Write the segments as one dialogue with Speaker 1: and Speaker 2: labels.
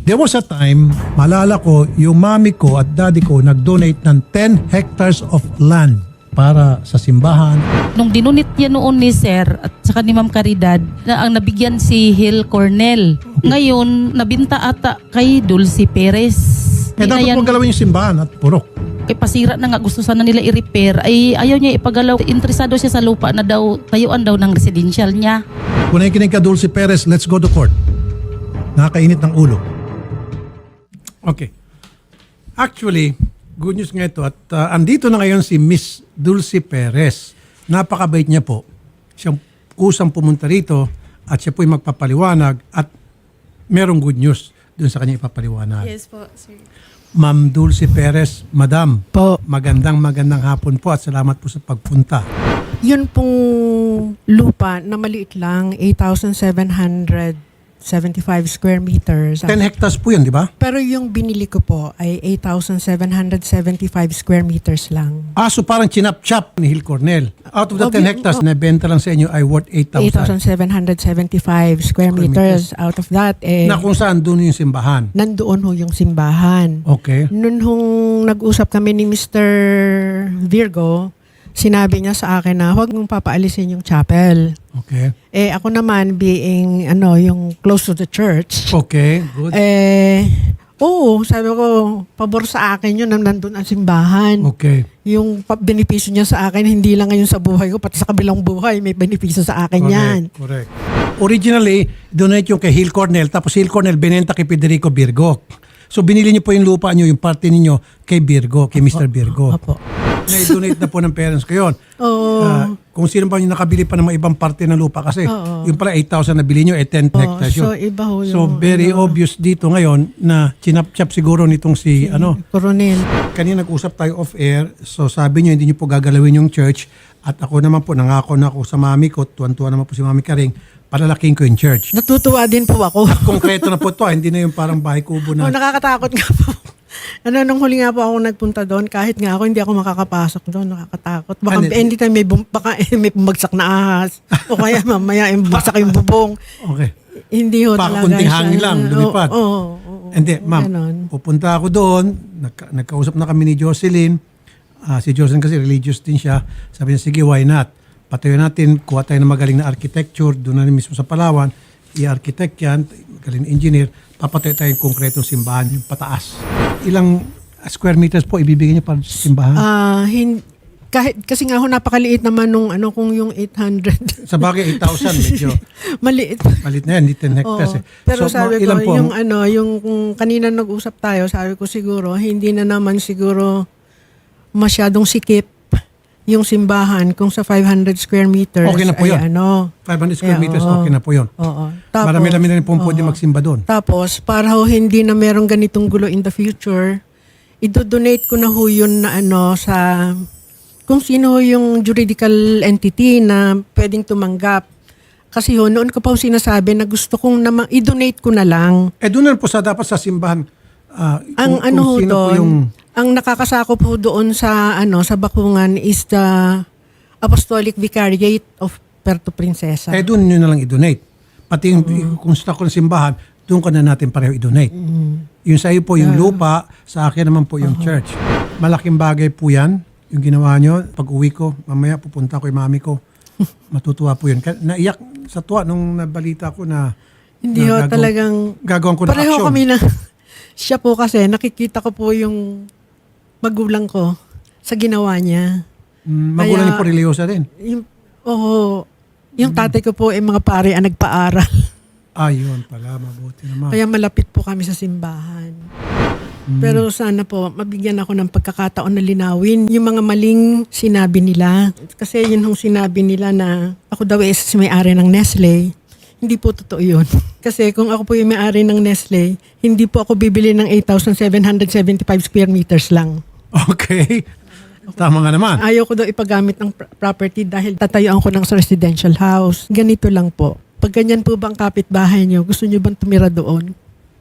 Speaker 1: There was a time, malala ko, yung mami ko at daddy ko nag-donate ng 10 hectares of land para sa simbahan.
Speaker 2: Nung dinunit niya noon ni Sir at saka ni Ma'am Caridad, na ang nabigyan si Hill Cornell. Ngayon, nabinta ata kay Dulce Perez.
Speaker 1: Eh dapat mo galawin yung simbahan at purok.
Speaker 2: Kay pasira na nga, gusto sana nila i-repair. Ay ayaw niya ipagalaw. Interesado siya sa lupa na daw, tayuan daw ng residential niya.
Speaker 1: Kung nakikinig ka, Dulce Perez, let's go to court. Nakakainit ng ulo. Okay. Actually, good news nga ito at andito na ngayon si Miss Dulce Perez. Napakabait niya po. Siyang kusang pumunta rito at siya po'y magpapaliwanag at merong good news dun sa kanya ipapaliwanag.
Speaker 3: Yes po, sir.
Speaker 1: Ma'am Dulce Perez, Madam,
Speaker 4: Po.
Speaker 1: magandang hapon po at salamat po sa pagpunta.
Speaker 4: Yun pong lupa na maliit lang, 8,775 square meters.
Speaker 1: 10 hectares po yun, di ba?
Speaker 4: Pero yung binili ko po ay 8,775 square meters lang.
Speaker 1: So parang chinap-chap ni Hill Cornell. Out of the 10 hectares na benta lang sa inyo ay worth 8,000.
Speaker 4: 8,775 square meters. Out of that,
Speaker 1: Na kung saan doon yung simbahan.
Speaker 4: nandoon ho yung simbahan.
Speaker 1: Okay.
Speaker 4: Noon hong nag-usap kami ni Mr. Virgo, sinabi niya sa akin na huwag mong papaalisin yung chapel.
Speaker 1: Okay.
Speaker 4: Ako naman being yung close to the church.
Speaker 1: Okay, good.
Speaker 4: Oo, sabi ko, pabor sa akin yun na nandun ang simbahan.
Speaker 1: Okay.
Speaker 4: Yung benepisyo niya sa akin, hindi lang ngayon sa buhay ko, pati sa kabilang buhay, may benepisyo sa akin yan.
Speaker 1: Correct. Originally, donate yung kay Hill Cornell, tapos Hill Cornell binenta kay Federico Virgo. So binili niyo po yung lupa niyo, yung parte ninyo kay Virgo, kay Mr. Virgo.
Speaker 4: Opo.
Speaker 1: Na-donate na po ng parents ko yun.
Speaker 4: Oo.
Speaker 1: Kung sino ba yung nakabili pa ng mga ibang parte ng lupa kasi yung pala 8,000 na bili nyo, 10 hectares yun.
Speaker 4: So, iba ho yung...
Speaker 1: So very obvious dito ngayon na chinap-chap siguro nitong si
Speaker 4: Coronel.
Speaker 1: kanina nag-usap tayo off-air, so sabi niyo hindi niyo po gagalawin yung church at ako naman po, nangako na ako sa mami ko, tuwan-tuwa naman po si Mami Karing, palalaking ko yung church.
Speaker 4: Natutuwa din po ako.
Speaker 1: Konkreto na po ito, hindi na yung parang bahay kubo na.
Speaker 4: Nakakatakot nga po. Nung huli nga po ako nagpunta doon, kahit nga ako, hindi ako makakapasok doon. Nakakatakot. Baka anytime may bumagsak na ahas. O kaya mamaya bumagsak yung bubong.
Speaker 1: Okay.
Speaker 4: Hindi ho talaga
Speaker 1: Kunting hangin lang, lumipad.
Speaker 4: Oo.
Speaker 1: Hindi, ma'am,
Speaker 4: Ganon.
Speaker 1: pupunta ako doon, nagkausap na kami ni Jocelyn. Si Jocelyn kasi religious din siya. Sabi niya, sige, why not? Patayo natin, kuha tayo ng magaling na architecture, doon na rin mismo sa Palawan, i-architect yan, magaling na engineer, papatayo tayo yung konkretong simbahan, yung pataas. Ilang square meters po ibibigay niyo para sa simbahan?
Speaker 4: Kasi nga ho, napakaliit naman nung kung yung 800.
Speaker 1: Sa bagay, 8,000 medyo
Speaker 4: Maliit.
Speaker 1: malit na yan, hindi 10 hectares.
Speaker 4: Oo. Pero
Speaker 1: So,
Speaker 4: sabi ko,
Speaker 1: ilan po ang-
Speaker 4: yung kung kanina nag-usap tayo, sabi ko siguro, hindi na naman siguro masyadong sikip yung simbahan kung sa 500 square meters.
Speaker 1: Okay na po yun. 500 square meters, okay na po yun.
Speaker 4: Oo. Tapos,
Speaker 1: Marami-rami na rin po pwede magsimba doon.
Speaker 4: Tapos, para ho hindi na merong ganitong gulo in the future, idodonate ko na ho yun na sa kung sino ho yung juridical entity na pwedeng tumanggap. Kasi ho, noon ko pa ho sinasabi na gusto kong i-donate ko na lang.
Speaker 1: Doon na po dapat sa simbahan.
Speaker 4: Ang
Speaker 1: kung sino po yung...
Speaker 4: ang nakakasakop po doon sa sa bakungan is the Apostolic Vicariate of Puerto Princesa.
Speaker 1: Doon nyo na lang i-donate. Pati yung kung stock ko ng simbahan, doon ka na natin pareho i-donate. Yung sa iyo po yung lupa, sa akin naman po yung church. Malaking bagay po yan, yung ginawa nyo. Pag uwi ko, mamaya pupunta ko yung mami ko. Matutuwa po yun. Naiyak sa tuwa nung nabalita ko na
Speaker 4: Hindi ho, talagang
Speaker 1: gagawin ko na
Speaker 4: pareho
Speaker 1: action.
Speaker 4: kami na siya po kasi nakikita ko po yung magulang ko sa ginawa niya.
Speaker 1: Magulang niyo po religyosa din.
Speaker 4: Yung tatay ko po mga pare ang nagpaaral.
Speaker 1: Ayun pala, mabuti naman.
Speaker 4: Kaya malapit po kami sa simbahan. Pero sana po, mabigyan ako ng pagkakataon na linawin yung mga maling sinabi nila. Kasi yun yung sinabi nila na ako daw is may-ari ng Nestle. Hindi po totoo yun. Kasi kung ako po yung may-ari ng Nestle, hindi po ako bibili ng 8,775 square meters lang.
Speaker 1: Okay. Tama nga naman.
Speaker 4: Ayaw ko daw ipagamit ng property dahil tatayuan ko ng residential house. Ganito lang po. Pag ganyan po bang kapitbahay nyo, gusto nyo bang tumira doon?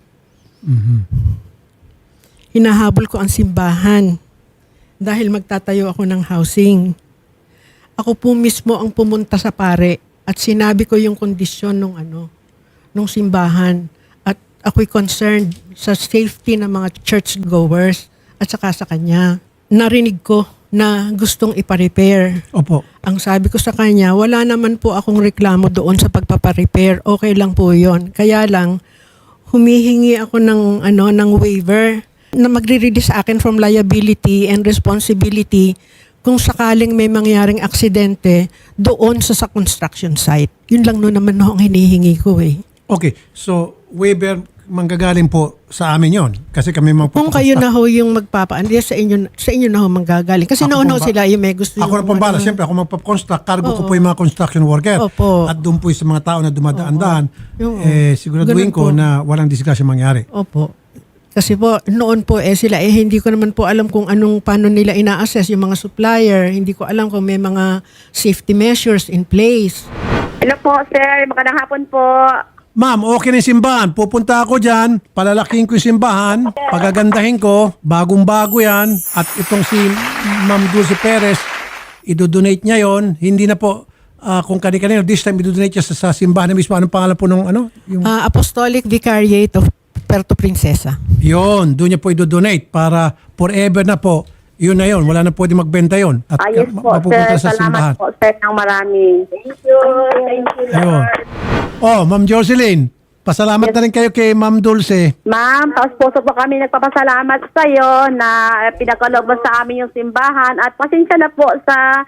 Speaker 4: Hinahabol ko ang simbahan dahil magtatayo ako ng housing. Ako po mismo ang pumunta sa pare at sinabi ko yung kondisyon nung simbahan. At ako'y concerned sa safety ng mga churchgoers at saka sa kanya. Narinig ko na gustong ipa-repair.
Speaker 1: Opo.
Speaker 4: Ang sabi ko sa kanya, wala naman po akong reklamo doon sa pagpapa-repair. Okay lang po 'yon. Kaya lang humihingi ako ng waiver na magre-release sa akin from liability and responsibility kung sakaling may mangyaring aksidente doon sa construction site. Yun lang naman ang hinihingi ko eh.
Speaker 1: Okay. So, waiver manggagaling po sa amin yon kasi kami
Speaker 4: Kung kayo na ho yung magpapaandi, sa inyo na ho manggagaling. Kasi
Speaker 1: Ako
Speaker 4: noon
Speaker 1: pong
Speaker 4: ho sila yung may gusto
Speaker 1: Ako na pong bala. Siyempre, ako magpapaconstruct. Cargo ko po yung mga construction worker.
Speaker 4: Opo.
Speaker 1: At doon po yung sa mga tao na dumadaan-daan,
Speaker 4: Oo.
Speaker 1: siguraduhin
Speaker 4: Ganun
Speaker 1: ko
Speaker 4: po.
Speaker 1: na walang disgrasya mangyari.
Speaker 4: Opo. Kasi po, noon po sila hindi ko naman po alam kung paano nila ina-assess yung mga supplier. Hindi ko alam kung may mga safety measures in place.
Speaker 3: Hello po, sir. Magandang hapon po.
Speaker 1: Ma'am, okay na yung simbahan. Pupunta ako dyan, palalaking ko yung simbahan, pagagandahin ko, bagong-bago yan, at itong si Ma'am Dulce Perez, idodonate niya yon. Hindi na po kung kanina, this time idodonate niya sa simbahan na mismo. Anong pangalan po nung Yung,
Speaker 4: Apostolic Vicariate of Puerto Princesa.
Speaker 1: Yun, doon niya po idodonate para forever na po. Yun na yun, wala na pwede magbenta yun. At
Speaker 3: Ayos po,
Speaker 1: mapupunta
Speaker 3: sir.
Speaker 1: sa simbahan.
Speaker 3: Salamat po, sir, ng marami. Thank you. Thank you,
Speaker 1: Ayun.
Speaker 3: Lord.
Speaker 1: Oh, Ma'am Jocelyn, pasalamat na rin kayo kay Ma'am Dulce.
Speaker 3: Ma'am, taos puso po kami nagpapasalamat sa iyo na pinagkaloob mo sa amin yung simbahan at pasensya na po sa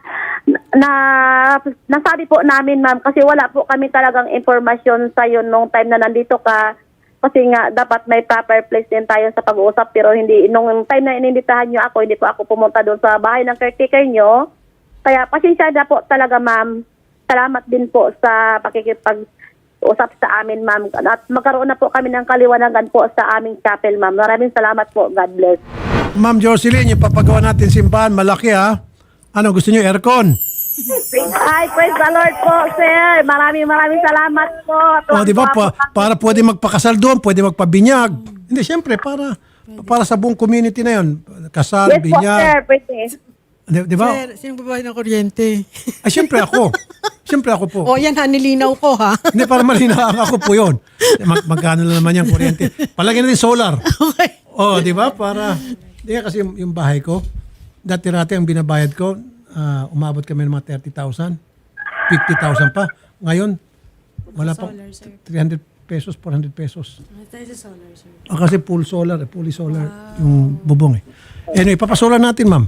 Speaker 3: nasabi po namin, ma'am, kasi wala po kami talagang impormasyon sa iyo nung time na nandito ka. Kasi nga, dapat may proper place din tayo sa pag-uusap. Pero hindi, nung time na ininditahan nyo ako, hindi po ako pumunta doon sa bahay ng caretaker nyo. Kaya pasensya na po talaga, ma'am. Salamat din po sa pakikipag-usap sa amin, ma'am. At magkaroon na po kami ng kaliwanagan po sa aming chapel, ma'am. Maraming salamat po. God bless.
Speaker 1: Ma'am Jocelyn, yung papagawa natin simbahan, malaki ha. Ano, gusto niyo aircon?
Speaker 3: Ay, praise the Lord po, sir. Maraming salamat po.
Speaker 1: O, di ba? Para pwede magpakasal doon, pwede magpabinyag. Hindi, siyempre, para sa buong community na yun. Kasal,
Speaker 3: Yes po, sir.
Speaker 1: binyag.
Speaker 3: Pwede.
Speaker 1: Di ba?
Speaker 4: Sir, sino ba ng kuryente?
Speaker 1: Ay, siyempre ako. Siyempre ako po.
Speaker 4: O yan ha, nilinaw ko ha.
Speaker 1: Hindi, para malinaw ako po yun. Magkano na naman yung kuryente. Palagyan natin solar.
Speaker 4: Okay.
Speaker 1: O, di ba? Para, di kasi yung bahay ko, dati-rati ang binabayad ko, umabot kami ng mga 30,000, 50,000 pa. Ngayon, wala pa 300 pesos, 400 pesos. Kasi fully solar yung bubong eh. Anyway, papasolar natin, ma'am.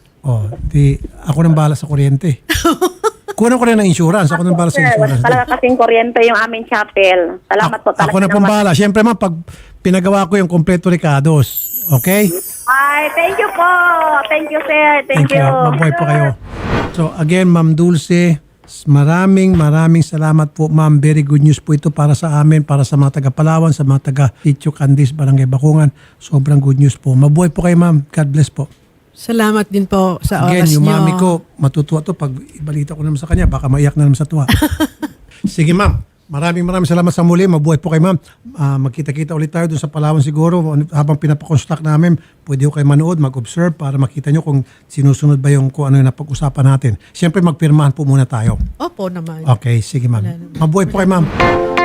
Speaker 1: Ako nang bahala sa kuryente. Kunan ko rin ng insurance. Ako nang bahala sa
Speaker 3: Sir, wala
Speaker 1: insurance.
Speaker 3: talaga kasing kuryente yung aming chapel. Salamat po talaga.
Speaker 1: Ako na pong bahala. Siyempre, ma'am, pag pinagawa ko yung kompleto Ricados. Okay?
Speaker 3: Ay, thank you po. Thank you, sir. Thank you.
Speaker 1: Mabuhay po kayo. So again, Ma'am Dulce, maraming salamat po, ma'am. Very good news po ito para sa amin, para sa mga taga Palawan, sa mga taga Sitio Candis, Barangay Bakungan. Sobrang good news po. Mabuhay po kayo, ma'am. God bless po.
Speaker 4: Salamat din po sa
Speaker 1: Again,
Speaker 4: oras
Speaker 1: yung
Speaker 4: nyo.
Speaker 1: mami ko, matutuwa to pag ibalita ko naman sa kanya, baka maiyak na naman sa tuwa. Sige, ma'am. Maraming salamat sa muli. Mabuhay po kayo, ma'am. Magkita-kita ulit tayo doon sa Palawan siguro. Habang pinapakonstruct namin, pwede ko kayo manood, mag-observe para makita nyo kung sinusunod ba yung kung ano yung napag-usapan natin. Siyempre, magpirmahan po muna tayo.
Speaker 4: Opo naman.
Speaker 1: Okay, sige, ma'am. Mabuhay po kayo, ma'am.